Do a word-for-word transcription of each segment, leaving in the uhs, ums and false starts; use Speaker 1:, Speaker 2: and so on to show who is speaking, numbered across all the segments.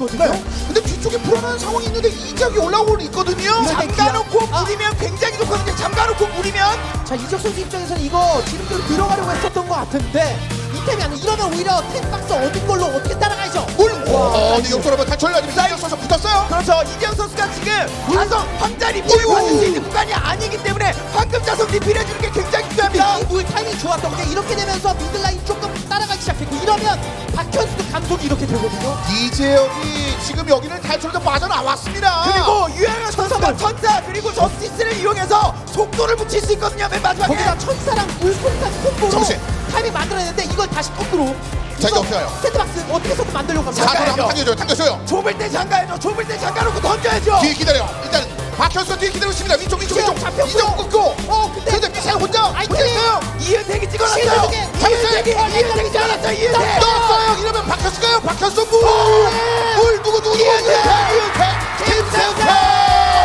Speaker 1: 있거든요.
Speaker 2: 네. 근데 뒤쪽에 불안한 상황이 있는데 이적이 올라오고 있거든요.
Speaker 1: 잠가놓고
Speaker 3: 아.
Speaker 1: 물이면 굉장히 좋거든요. 잠가놓고 물이면.
Speaker 3: 자, 이적 선수 입장에서는 이거 지름길로 들어가려고 했었던 것 같은데 이템이 아니라 이러면 오히려 템박스 얻은 걸로 어떻게 따라가야죠?
Speaker 2: 물! 어, 근데 역전하면 탈출을 아니면 이적 선수 붙었어요.
Speaker 1: 그렇죠. 이재영 선수가 지금 자석 황자리 물을
Speaker 2: 어이구.
Speaker 1: 받을 수 있는 구간이 아니기 때문에 황금 자석 리필해주는 게 굉장히 중요합니다.
Speaker 3: 이물 타이밍이 좋았던 게 이렇게 되면서 미들라인 조금 따라가기 시작했고 이러면 박현수도 감속이 이렇게 되거든요.
Speaker 2: 이재혁이 지금 여기를 탈출해서 빠져나왔습니다.
Speaker 1: 그리고 유행한 선수가 천사 그리고 저스티스를 이용해서 속도를 붙일 수 있거든요. 맨 마지막에.
Speaker 3: 거기다 천사랑 물속탄 콤보로
Speaker 2: 정신.
Speaker 3: 타이밍 만들어냈는데 이걸 다시 거꾸로
Speaker 2: 자, 이거 어떻게 해요?
Speaker 3: 세트박스 어떻게 해서든 만들려고 합니다.
Speaker 2: 사도를 한번
Speaker 1: 잠깐만요.
Speaker 2: 당겨줘요. 당겼어요.
Speaker 1: 좁을 때 잠가야죠. 좁을 때 잠가놓고 던져야죠.
Speaker 2: 뒤에 기다려. 일단 박현수 뒤에 기다리고 있습니다. 위쪽 위쪽 위쪽.
Speaker 3: 잡혔고요.
Speaker 2: 이정 끊고.
Speaker 3: 어, 근데
Speaker 2: 근데 미사일 혼자
Speaker 3: 아이템이
Speaker 2: 붙였어요.
Speaker 1: 이은택이 찍어놨어요.
Speaker 3: 시즌
Speaker 1: 이은택이 이은택이 찍어놨어요. 이은택.
Speaker 2: 떴어요. 이러면 박현수가요. 박현수 물. 물 누구 누구 누구.
Speaker 1: 이은택.
Speaker 2: 이은택. 김세우태.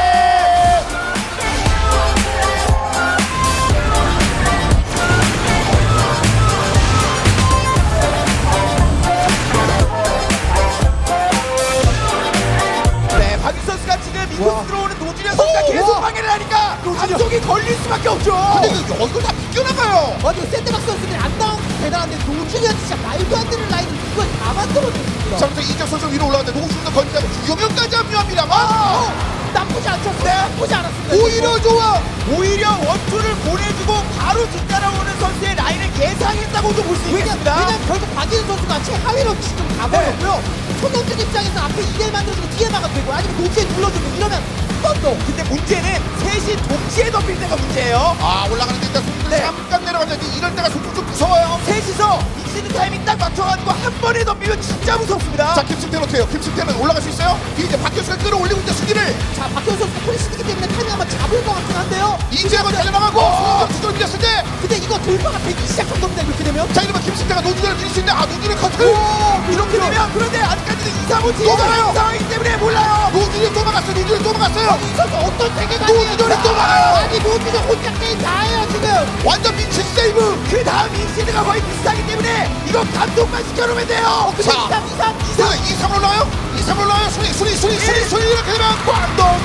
Speaker 1: 네, 박윤 선수가 지금 이곳 들어오는 노준현 선수가 계속 방해를 하니까 감독이 걸릴 수밖에 없죠.
Speaker 2: 근데 이거 여기로 다 비껴나가요.
Speaker 3: 아니 세트박스 선수들이 안 나온 게 대단한데 노준현 진짜 말도 안 되는 라인을 이걸 다 만들어냈습니다.
Speaker 2: 자, 부터 이정 선수 위로 올라왔는데 농수도 건지하고 유명까지 합류합니다만.
Speaker 3: 어, 나쁘지 않죠.
Speaker 1: 네.
Speaker 3: 나쁘지 않았습니다.
Speaker 2: 오히려 좋아.
Speaker 1: 오히려 원투를 보내주고 바로 뒤따라오는 선수의 라인을 예상했다고도 볼 수
Speaker 3: 왜냐,
Speaker 1: 있겠습니다.
Speaker 3: 왜냐면 결국 박인수 선수가 최하위로 지금 가버렸고요. 손동준 입장에서 앞에 이 대를 만들어주고 뒤에 막아도 되고 아니면 노지에 눌러주고 이러면 뻔도.
Speaker 1: 근데 문제는 셋이 동시에 덮일 때가 문제예요.
Speaker 2: 아, 올라가는데 일단 속도
Speaker 1: 네.
Speaker 2: 잠깐 내려가는데 이럴 때가 속도 좀 무서워요.
Speaker 1: 셋이서 익시는 타이밍 딱 맞춰가지고 한 번에 덮이면 진짜 무섭습니다.
Speaker 2: 자, 김승태는 어때요? 김승태는 올라갈 수 있어요? 뒤에 이제 박현수가 끌어올리고 있는 수기를
Speaker 3: 자, 박현수 선수가 프리시드기 때문에 타이밍 한번 잡을 것 같긴 한데요.
Speaker 2: 이재혁은 달려나가고
Speaker 1: 어.
Speaker 2: 수전 밀렸을 때.
Speaker 3: 근데 이거 돌파가 되기 시작한 겁니다. 이렇게 되면.
Speaker 2: 자, 이러면 김승태가 노준현을 밀릴 수 있는데 아, 노준현 커트.
Speaker 1: 이렇게 되면 그런데 아직까지도 이, 삼, 오
Speaker 2: 또 가요.
Speaker 1: 상황이기 때문에 몰라요.
Speaker 2: 노준현 또 막았어요. 노준현 또 막았어요.
Speaker 3: 이 선수 어떤 세계가
Speaker 2: 노준현이 또 막아요.
Speaker 3: 아니 노준현 혼자 게임 다 해요 지금.
Speaker 2: 완전 민치 세이브.
Speaker 1: 그 다음 익시드가 거의 비슷하기 때문에 이거 감독만 시켜놓으면 돼요.
Speaker 3: 근데
Speaker 2: 자.
Speaker 3: 이삼 이삼
Speaker 2: 자, 이 삼 올라와요? 이 삼 올라와요? 순위, 순위, 순위, 순위, 순위 이렇게 되면 광동.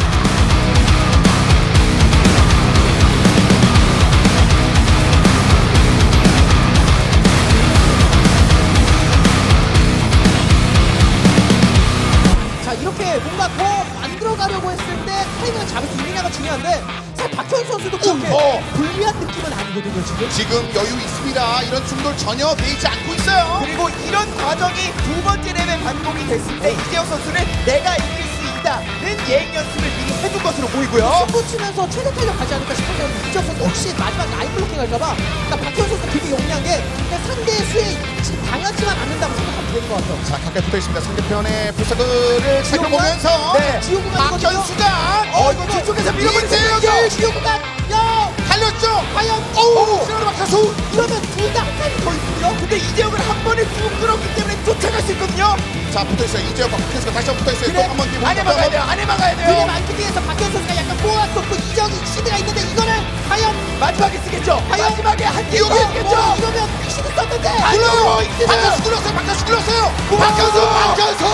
Speaker 3: 자 이렇게 뭔가 더 만들어가려고 했을 때 타이밍을 잡을 수 있느냐가 중요한데 사실 박현 선수도 그렇게
Speaker 2: 어.
Speaker 3: 불리한 느낌은 아니거든요 지금.
Speaker 2: 지금 여유 있습니다. 이런 충돌 전혀 보이지 않고 있어요.
Speaker 1: 그리고 이런 과정이 두 번째 랩에 반복이 됐을 때 이재영 선수는 내가 이길 수 있다는 예행 연습을 미리 해둔 것으로 보이고요.
Speaker 3: 승부 치면서 최대 탄력 가지 않을까 싶은데 이적 선수 혹시 마지막 라인 블로킹 할까봐 그러니까 박현 선수가 되게 용이한 게 그냥 상대 수에 지금 당하지만 않는다고 생각하면 되는 것 같아요.
Speaker 2: 자, 가까이 붙어 있습니다. 상대편의 부사들을 살펴보면서
Speaker 1: 네.
Speaker 3: 지옥구간이거든요.
Speaker 2: 박현수가
Speaker 1: 어 이거 뒤쪽에서 밀어버리는
Speaker 2: 이재혁이
Speaker 3: 지옥구간 야
Speaker 2: 달렸죠.
Speaker 3: 과연
Speaker 2: 어우, 지나가는 박현수.
Speaker 3: 이러면 둘 다 한 칸이 더 있거든요.
Speaker 1: 근데 이재영을 한 번에 쭉 끌었기 때문에 쫓아갈 수 있거든요.
Speaker 2: 자, 붙어 있어요. 이재혁과 박현수가 다시 한번 붙어 있어요.
Speaker 1: 그래,
Speaker 2: 또 한번 뒤로
Speaker 1: 안에 막아야 돼요. 안에 막아야
Speaker 3: 그래
Speaker 1: 돼요.
Speaker 3: 만기 뒤에서 박현 선수가 약간 꼬았었고 이적이 시드가 있는데 이거는 과연
Speaker 1: 마지막에 쓰겠죠.
Speaker 3: 과연?
Speaker 1: 마지막에 한
Speaker 2: 이거
Speaker 1: 개더 쓰겠죠.
Speaker 3: 어, 이러면 시드 썼는데
Speaker 2: 불러요.
Speaker 1: 이재혁!
Speaker 2: 박현수 눌렀어요. 박현수 눌렀어요. 박현수, 박현수.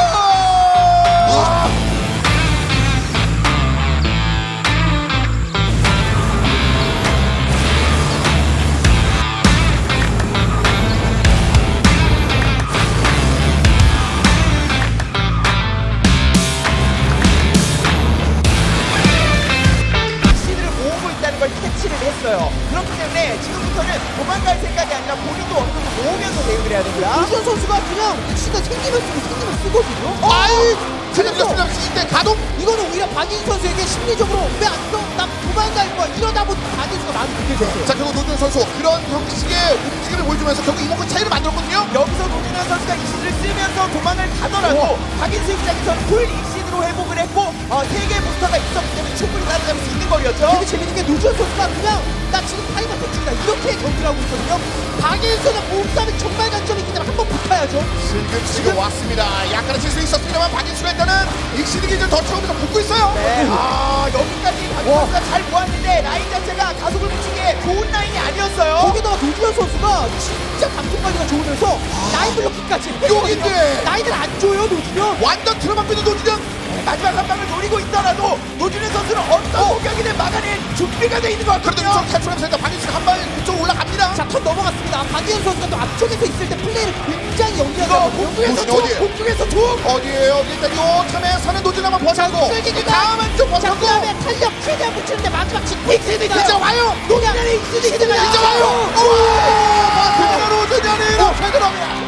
Speaker 1: 시드를 모으고 있다는 걸 캐치를 했어요. 그렇기 때문에 지금부터는 도망갈 생각이 아니라 본인도 어느 정도 모으면서 대응을 해야 됩니다.
Speaker 3: 이현 선수가 그냥 시드 생기면 쓰고 생기면 쓰거든요.
Speaker 2: 아이,
Speaker 3: 그래서
Speaker 2: 틀렸습니다. 이때 가동.
Speaker 3: 이거는 오히려 박인 선수에게 심리적으로 왜 안 써? 나 도망갈 거야. 이러다 보니 박인수가 마음이 급해졌어요.
Speaker 2: 자, 결국 노준 선수 그런 형식의 움직임을 보여주면서 결국 이목구 차이를 만들었거든요.
Speaker 1: 여기서 노준현 선수가 익시드를 쓰면서 도망을 가더라도 박인수 입장에서는 풀 익시드로 회복을 했고 어, 세 개의 부스터가 있었기 때문에 충분히 따라잡을 수 있는 거리였죠.
Speaker 3: 되게 재밌는 게 노준 선수가 그냥 나 지금 타이머 대충이다 이렇게 경기를 하고 있거든요. 박인수는 몸싸움이 정말 장점이 있기 때문에 한번 붙어야죠.
Speaker 2: 지금 왔습니다. 약간의 실수 있었습니다만 박인수가 일단은 익시드 기를 더 채우면서 붙고 있어요.
Speaker 1: 네. 아 여기까지 박인수 선수가 잘 모았는데 라인 자체가 가속을 붙이기에 좋은 라인이 아니었어요. 아니었어요.
Speaker 3: 거기다가 노준현 선수가 진짜 감속 관리가 좋으면서 라인 블로킹까지
Speaker 2: 여기인데.
Speaker 3: 라인을 안 줘요 노준현.
Speaker 2: 완전 틀어막고 있는 노준현.
Speaker 1: 마지막 한 방을 노리고 있더라도 노준현 선수는 어떤 공격이든 막아낼 준비가 돼 있는 것
Speaker 2: 그래도
Speaker 1: 같거든요.
Speaker 2: 이쪽 탈출하면서 일단 박인수가 한 발 이쪽으로 올라갑니다.
Speaker 3: 자, 턴 넘어갔습니다. 박지현 선수가 또 앞쪽에서 있을 때 플레이를 굉장히
Speaker 1: 이거
Speaker 3: 연기하거든요.
Speaker 1: 공중에서
Speaker 2: 노준현
Speaker 1: 툭,
Speaker 2: 어디에?
Speaker 1: 공중에서 툭.
Speaker 2: 어디에요? 일단 요 틈에 서는 노준 한번 버티고
Speaker 3: 끌기니까.
Speaker 2: 다음은 좀
Speaker 3: 자,
Speaker 2: 버티고
Speaker 3: 그 다음에 탄력 최대한 붙이는데 마지막 직구 있습니다.
Speaker 2: 이제 와요.
Speaker 3: 노준현의 익스도 있습니다.
Speaker 2: 이제 와요. 우와! 그대로 노준현이 이렇게 들어옵니다.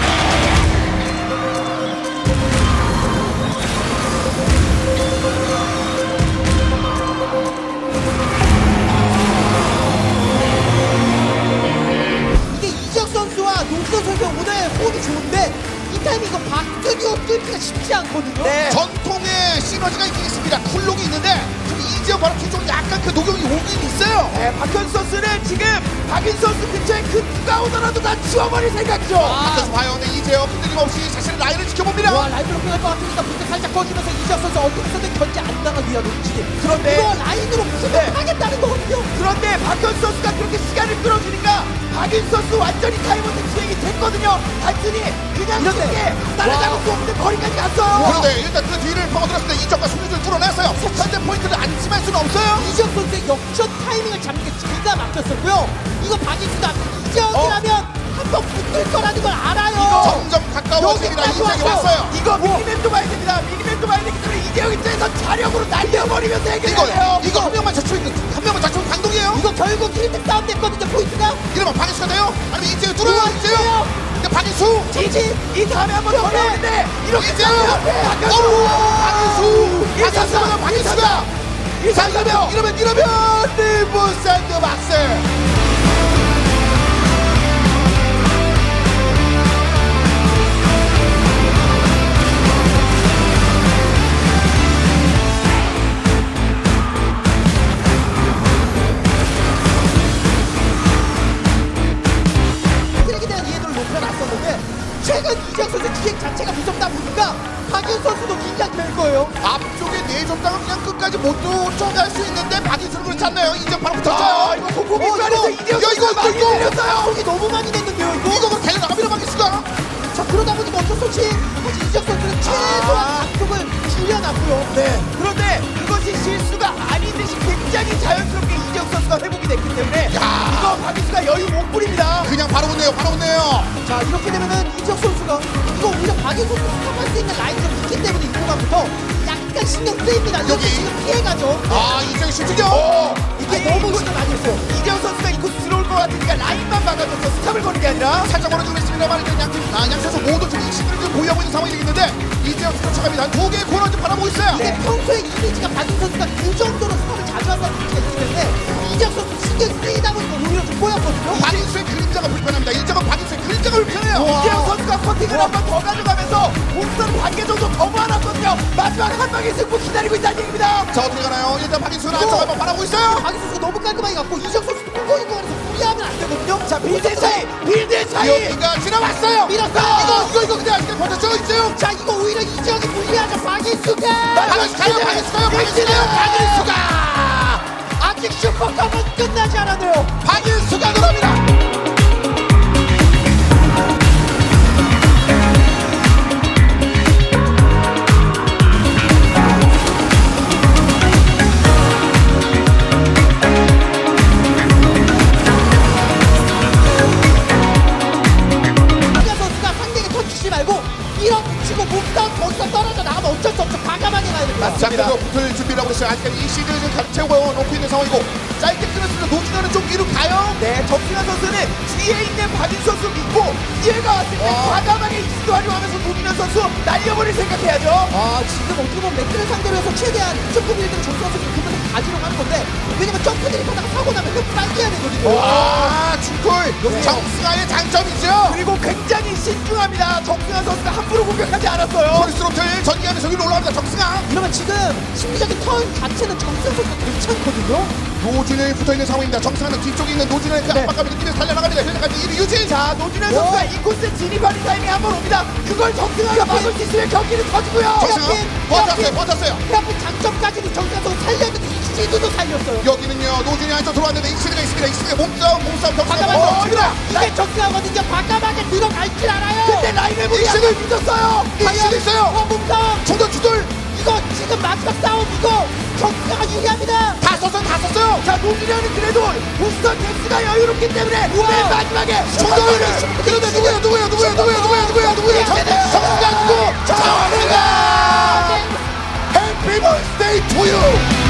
Speaker 3: 이게 이적 선수와 노준현 선수가 오늘 호흡이 좋은데 이 타이밍 이거 박준효 뚫기가 쉽지 않거든요.
Speaker 1: 네.
Speaker 2: 전통의 시너지가 있긴 있습니다. 쿨록이 있는데 지금 이지영 바로 뒤쪽으로 약간 그 녹용이 오긴 있어요.
Speaker 1: 네, 박현수 선수는 지금 박인 선수 근처에 그 누가 오더라도 다 치워버릴 생각이죠.
Speaker 2: 박현수 봐요. 근데 이재영 흔들림 없이 자신의 라인을 지켜봅니다.
Speaker 3: 와, 라인 블로킹 할것 같으니까 부터 살짝 꺼지면서 이적 선수 어떻게든 견제 안 당하기 위한 움직임.
Speaker 1: 그런데
Speaker 3: 이거 라인으로
Speaker 1: 네.
Speaker 3: 하겠다는 거거든요.
Speaker 1: 그런데 박현수 선수가 그렇게 시간을 끌어주니까 박인 선수 완전히 타이머드 진행이 됐거든요. 단순히 그냥
Speaker 3: 이런데.
Speaker 1: 쉽게 따라잡을 수 없는 거리까지 갔어요.
Speaker 2: 그런데 일단 그 뒤를 파고들었을 때 이적과 손흥민을 뚫어냈어요. 현재 포인트를 안심할 수는 없어요.
Speaker 3: 이적 선수의 역전 타이밍을 잡는 게 기가 막혔었고요. 이거 박인수가 이적이라면 한 번 붙을 거라는 걸 알아요.
Speaker 2: 점점 가까워집니다.
Speaker 3: 여기까지
Speaker 2: 이적이
Speaker 3: 왔어.
Speaker 2: 왔어요.
Speaker 1: 이거 미니맵도 봐야 됩니다. 미니맵도 봐야 되기 때문에 이재영 입장에서 자력으로 날려버리면서
Speaker 2: 이거
Speaker 1: 해결해요.
Speaker 2: 이거 한 명만 자초있는 한 명만 자초 강동이에요.
Speaker 3: 이거 결국 킬드 싸움 됐거든요. 포인트가.
Speaker 2: 이러면 박인수가 돼요? 아니면 이재영 뚫어요? 이재영. 근데 박인수.
Speaker 1: 지지 이 다음에 한번 더 나오는데 이렇게
Speaker 2: 이재영.
Speaker 1: 싸우면
Speaker 2: 어우 박인수.
Speaker 1: 이
Speaker 2: 박인수가 박인수가. 자 이러면 이러면 이러면 리브 샌드박스.
Speaker 3: 트랙에 대한 이해도를 높여놨었는데 최근 이적 선수 기획 자체가 무섭다 보니까 박인 선수도 긴장될 거예요.
Speaker 2: 앞쪽에 내줬다가 그냥 끝까지 못 쫓아갈 수 있는데 박인수는 그렇지 않나요? 이제 바로
Speaker 1: 아
Speaker 2: 붙었어요.
Speaker 1: 이거 공공이
Speaker 3: 어,
Speaker 1: 안에서
Speaker 3: 이거-
Speaker 1: 이재영
Speaker 2: 야, 이거
Speaker 1: 선수가 많이
Speaker 2: 이거-
Speaker 1: 밀렸어요.
Speaker 3: 속이 너무 많이 냈는데요 이거.
Speaker 2: 이거 뭐 달려나갑니다 박인수가.
Speaker 3: 자, 그러다 보니까 어쩔 수 없이 사실 이적 선수는 최소한 각도를 줄여놨고요.
Speaker 1: 네. 그런데 그것이 실수가 아닌 듯이 굉장히 자연스럽게 이재영 선수가 회복이 됐기 때문에
Speaker 2: 야.
Speaker 1: 이거 박인수가 여유 못 부립니다.
Speaker 2: 그냥 바로 웃네요. 바로 웃네요.
Speaker 3: 자, 이렇게 되면은 이적 선수가 이거 오히려 박인 선수 스탑할 수 있는 라인이 좀 있기 때문에 이 구간부터 약간 신경 쓰입니다. 이렇게
Speaker 2: 여기.
Speaker 3: 지금 피해가죠.
Speaker 2: 아 이재영 슈팅이요.
Speaker 1: 어.
Speaker 3: 이게
Speaker 1: 아니,
Speaker 3: 너무
Speaker 1: 이거-
Speaker 3: 신경 많이 했어요.
Speaker 1: 이재영 선수가 이 코스 들어올 것 같으니까 라인만 막아줘서 스탑을 거는 게 아니라
Speaker 2: 살짝 멀어지고 있습니다만 이제 양팀 아, 양 선수 모두 지금 익신을 좀 보유하고 있는 상황이 되겠는데 이재영 쫓아갑니다. 두 개의 코너 좀 바라보고 있어요.
Speaker 3: 근데 평소에 이미지가 박인 선수가 그 정도로 스탑을 자주 한다는 이미지가 있기 때문에 이적 선수 신경 쓰이다 보니까 오히려 좀 꼬였거든요.
Speaker 2: 박인수의 그림자가 불편합니다. 이재영 박인수의 그림자가 불편해요.
Speaker 1: 이재영 선수가 커팅을 한 번 더 가져가면서 공선 반개 정도 더 모아놨거든요. 마지막 한 방의 승부 기다리고 있다는 얘기입니다.
Speaker 2: 자 어떻게 가나요? 일단 박인수는 안쪽 한번 바라보고 있어요.
Speaker 3: 박인 선수가 너무 깔끔하게 갔고 이적 선수 끌고 있는 거에서 무리하면 안 되거든요.
Speaker 1: 자 빌드 차이, 빌드 차이.
Speaker 2: 여기가 지나왔어요.
Speaker 3: 밀었어요.
Speaker 2: 이거 이거 이거 그냥 그냥 버텼죠 이재영.
Speaker 3: 자, 이거 오히려 이적이 무리하죠. 박인수가
Speaker 2: 박인수가요. 박인수가요. 박인수가요. 박인수가
Speaker 3: 아직 슈퍼컵은 끝나지 않았네요.
Speaker 2: 박인수가 들어옵니다.
Speaker 3: 박인 선수가 상대에게 터치지 말고 밀어붙이고 몸싸움 거기서 떨어져 나가면 어쩔 수 없죠. 과감하게 가야 됩니다.
Speaker 2: 자 그래서 붙을 준비를 하고 있어요. 아직까지 이 시즌을 지금 가- 채우고 놓고 있는 상황이고 짧게 끊었습니다. 노준현은 좀 위로 가요.
Speaker 1: 네, 정승환 선수는 뒤에 있는 박인 선수 믿고 기회가 왔을 때
Speaker 2: 와.
Speaker 1: 과감하게 익스도 활용하면서 노준현 선수 날려버릴 생각해야죠.
Speaker 3: 아, 지금 어떻게 보면 맥크를 상대로 해서 최대한 점프 빌드를 정수한 선수 그만큼 가지려고 하는 건데 왜냐면 점프들이 하다가 사고 나면 그 빨리 해야 되거든요.
Speaker 2: 와 중콜 정승아의 장점이죠.
Speaker 1: 그리고 굉장히 신중합니다. 정승환 선수가 함부로 공격하지 않았어요.
Speaker 2: 포리스로틀 전기하면서 위로 올라갑니다. 정승아.
Speaker 3: 이러면 지금 심리적인 턴 자체는 정수현 선수가 괜찮거든요.
Speaker 2: 노준현이 붙어있는 상황입니다. 정승아는 뒤쪽에 있는 노준현의 그
Speaker 1: 네.
Speaker 2: 압박감을 느끼면서 달려나갑니다. 현재까지 일 위 유진.
Speaker 1: 자, 노준현 선수가 이 코스 진입하는 타이밍에 한 번 옵니다. 그걸 정승환이 막을 수 있으면 경기는 터지고요.
Speaker 2: 정승아 버텼어요. 버텼어요.
Speaker 3: 그래갖고 장점까지는 정수현 선수 살려야 되는데 이 익시드도 살렸어요.
Speaker 2: 여기는요 노준이 안쪽 들어왔는데 익시드가 있습니다. 익시드가 몸싸움 몸싸움 격투가
Speaker 3: 과감하게
Speaker 2: 멈춥니다.
Speaker 3: 이게 적중하거든요. 과감하게 들어갈 줄 알아요.
Speaker 1: 근데 라인을 보니
Speaker 2: 익시드
Speaker 1: 약간 믿었어요.
Speaker 2: 익시드 있어요.
Speaker 3: 어, 몸싸움.
Speaker 2: 중돌 주돌
Speaker 3: 이거 지금 마지막 싸움 이거 경기가 유리합니다.
Speaker 2: 다 썼어요 다 썼어요.
Speaker 1: 자, 노준현은 그래도 우선 덱스가 여유롭기 때문에
Speaker 3: 우와.
Speaker 1: 맨 마지막에
Speaker 2: 중돌 그런데 누구야 누구야 누구야 누구야 누구야 누구야 누구야 정수가 누구 정수가 해피 버스데이 투유